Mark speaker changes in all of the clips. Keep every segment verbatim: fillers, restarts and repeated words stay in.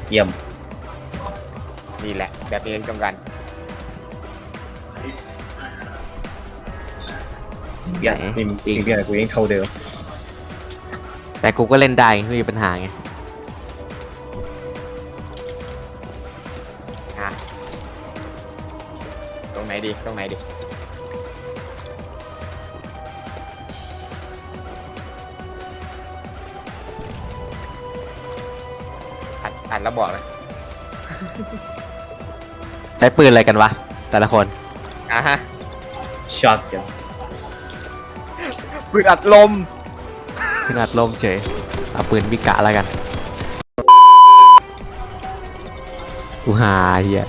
Speaker 1: เยี่ยม
Speaker 2: นี่แหละแบบนี้ต้องการ
Speaker 1: อย่าพิมพ์พิมพ์อะไรกูยังเท่าเดิม
Speaker 3: แต่กูก็เล่นได้ไม่มีปัญหาไง
Speaker 2: ฮะตรงไหนดีตรงไหนดีอัดอัดแล้วบอกเลย
Speaker 3: ใช้ปืนอะไรกันวะแต่ละคน
Speaker 2: อ่ะฮะ
Speaker 1: ช็อตกัน
Speaker 2: ปืนอัดลม
Speaker 3: ขนาดลมเฉยเอาปืนบิกะแล้วกันกูหาเฮีย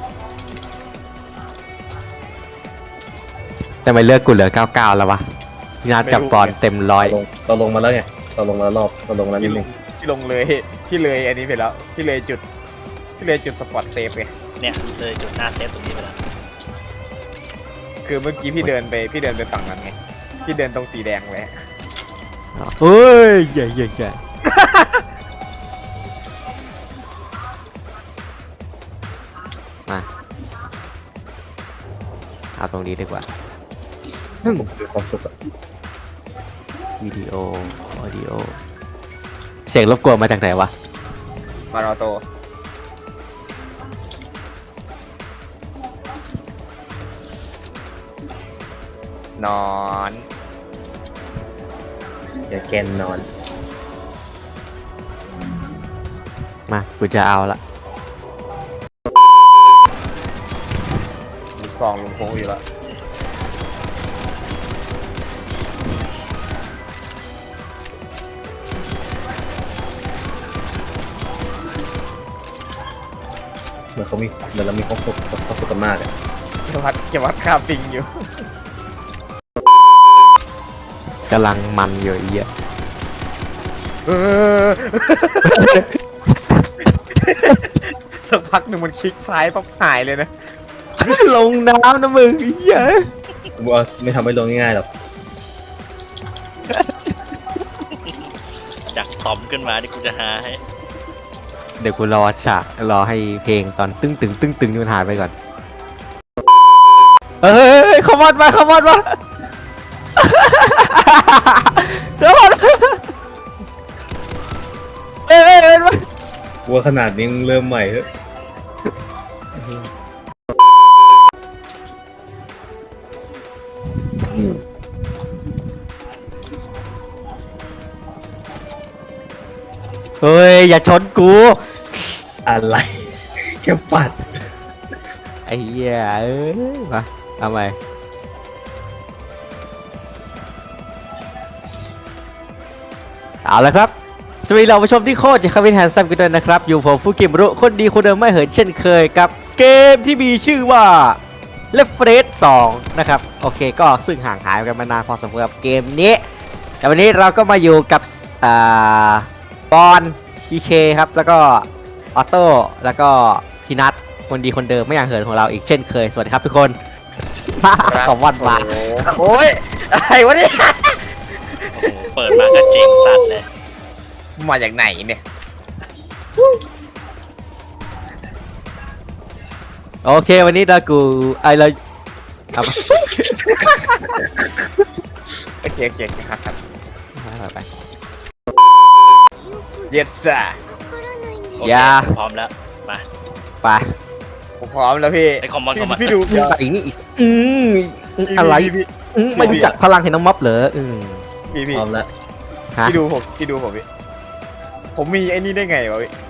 Speaker 3: แต่ไม่เลือกกูเหลือเก้าเก้าแล้ววะพี่นัดกับปอนเต็มร้อย
Speaker 1: เราลงมาแล้วไงเราลงมาแล้วรอบเราลงมาแล้วนิดนึง
Speaker 2: พี่ลงเลยพี่เลยอันนี้ไปแล้วพี่เลยจุดพี่เลยจุดสปอตเซฟไง
Speaker 4: เนี่ยเลยจุดหน้าเซฟตรงนี้ไปแล้ว
Speaker 2: คือเมื่อกี้พี่เดินไปพี่เดินไปฝั่งนั้นไงพี่เดินตรงสีแดงไว้
Speaker 3: เฮ้ยใหญ่ใหญ่ใหญ่มาเอาตรงนี้ดีกว่า
Speaker 1: ผมคือความสุขอะ
Speaker 3: วิดีโอออดิโอเสียงรบกวนมาจากไหนวะ
Speaker 2: มาราโตนอน
Speaker 1: อย่าแกนนอน
Speaker 3: มากูจะเอาละ
Speaker 2: มีกองลงโค้งอยู่แล้ว
Speaker 1: เหมือนเขามีเหมือนเรามีความสุขความสุขกันมากอะ
Speaker 2: เก็บวัดเก็บวัดค่าปิงอยู่
Speaker 3: กำลังมันอยู่อีอ่ะ
Speaker 2: สักพักหนึ่งมันคลิกซ้ายปั๊บหายเลยนะ
Speaker 3: ลงน้ำนะมึงอีอ่ะ
Speaker 1: กูว่าไม่ทำให้ลงง่ายๆหรอก
Speaker 4: จากทอมขึ้นมาที่กูจะหาให้
Speaker 3: เดี๋ยวกูรอฉากรอให้เพลงตอนตึ้งตึงตึ้งตึงมันหายไปก่อนเฮ้ยขมอดมาขมอดมาขมอดเอ้ยเอ้ยมา
Speaker 1: กูว่าขนาดนี้เริ่มใหม่เฮ้ย
Speaker 3: เฮ้ยอย่าชนกู
Speaker 1: อะไรแค่ปัด
Speaker 3: ไอ้เหี้ยเอ้ยมาทำไมเอาละครับสวัสดีเราผู้ชมที่โคตรจะคาวินแฮนซัมกันด้วยนะครับอยู่ผมฟูกิมรุคนดีคนเดิมไม่เหินเช่นเคยกับเกมที่มีชื่อว่า Left four Dead สองนะครับโอเคก็ซึ่งห่างหายกันมานานพอสมควรกับเกมนี้แต่วันนี้เราก็มาอยู่กับอ่าบอลพีเคครับแล้วก็ออโต้แล้วก็พี่นัทคนดีคนเดิมไม่อย่างเหินของเราอีกเช่นเคยสวัสดีครับทุกคนขอบวันมา
Speaker 2: โอ้ยอะไรวะเนี่ย
Speaker 4: โอ้โหเปิดมาก็เจ๋งสัตว์เลย
Speaker 2: มาจากไหนเนี่ย
Speaker 3: โอเควันนี้เรากูไอเราเอาไป
Speaker 2: โอเคโอเคครับครับ
Speaker 3: ไป
Speaker 2: เย็ดซ่า
Speaker 3: อย่า
Speaker 4: พร้อมแล้วมา
Speaker 3: ไป
Speaker 2: ผมพร้อมแล้วพี่
Speaker 4: ไอคอมมอนคอมมอน
Speaker 2: พี่ดู
Speaker 3: อีนี่อีอืมอะไรไม่รู้จักพลังเห็นน้องม็อบเหรออืม
Speaker 2: พี่พี่
Speaker 1: พร้อมแล้ว
Speaker 2: พี่ดูผมพี่ดูผมพี่ผมมีไอ้นี่ได้ไงวะพี่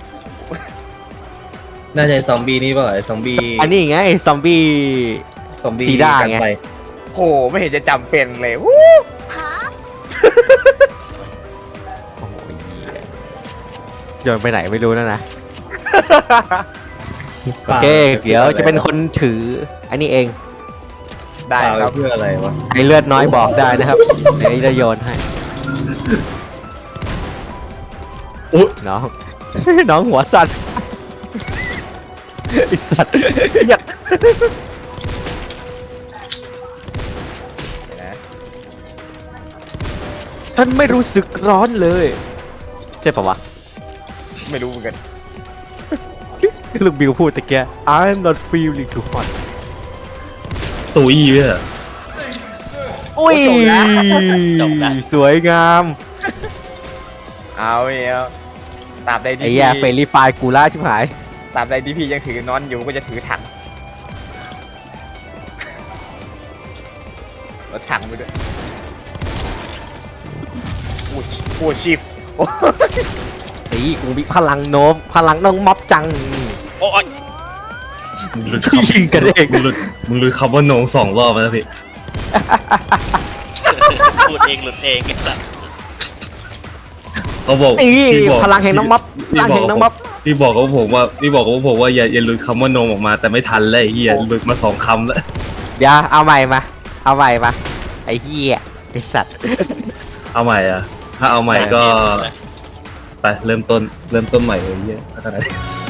Speaker 1: น่าจะซอมบี้นี่ป่ะไอ้ซอมบี้
Speaker 3: อันนี้ไงซอมบี้
Speaker 1: ซอมบี้
Speaker 3: ซีด้าไง
Speaker 2: โหไม่เห็นจะจำเป็นเลยวู้
Speaker 3: โอ้ยโยนไปไหนไม่รู้นะนะโอเคเดี๋ยวจะเป็นคนถืออันนี้เอง
Speaker 2: ได้ครับ
Speaker 1: เพื่ออะไรวะ
Speaker 3: ไอเลือดน้อยบอกได้นะครับเดี๋ยวจะโยนให้อุ๊ยน้องน้องหัวสั่นไอสัตว์อยากฉันไม่รู้สึกร้อนเลยเจ็บปะวะ
Speaker 2: ไม่รู้เหมือนกัน
Speaker 3: ลูกบิวพูดตะเกีย I'm not feeling too hot
Speaker 1: สูอีเว้ยเหรอ
Speaker 3: อุ้ย
Speaker 4: จบแล้ว
Speaker 3: สวยงาม
Speaker 2: เอาเอ้ยตราบใด
Speaker 3: ไอ้
Speaker 2: ที่
Speaker 3: แย่เฟร
Speaker 2: พี่
Speaker 3: ลี่ไฟล์กูล่าชิบหาย
Speaker 2: ตราบใดที่พี่ยังถือนอนอยู่ก็จะถือถังเอาถังไปด้วยโอ้ยโอ้ยชิฟโอ้ย
Speaker 3: ไอ้กูมีพลังโน้ม พลังน้องม็อบจัง
Speaker 4: โอ้ย
Speaker 1: มึงหลุด
Speaker 3: ยิงกันเอง
Speaker 1: มึงหลุดมึงหลุดคำว่าโหนงสองรอบแล้วพี่
Speaker 4: พูดเองหลุดเองไอ้สัตว์
Speaker 1: เขาบอก
Speaker 3: นี่
Speaker 1: พี่บอก
Speaker 3: พลังแห่งน้องม็อบพลังแห่งน้องม็อบ
Speaker 1: พี่บอกกับผมว่าพี่บอกกับผมว่าอย่าอย่าหลุดคำว่าโหนงออกมาแต่ไม่ทันเลยไอ้เฮียหลุดมาสองคำแล้ว
Speaker 3: เดี๋ยวเอาใหม่มา เอาใหม่มา ไอ้เหี้ยไอ้สัตว์
Speaker 1: เอาใหม่อ่ะถ้าเอาใหม่ก็ไปเริ่มต้นเริ่มต้นใหม่เลยไอ้เฮียพัฒนา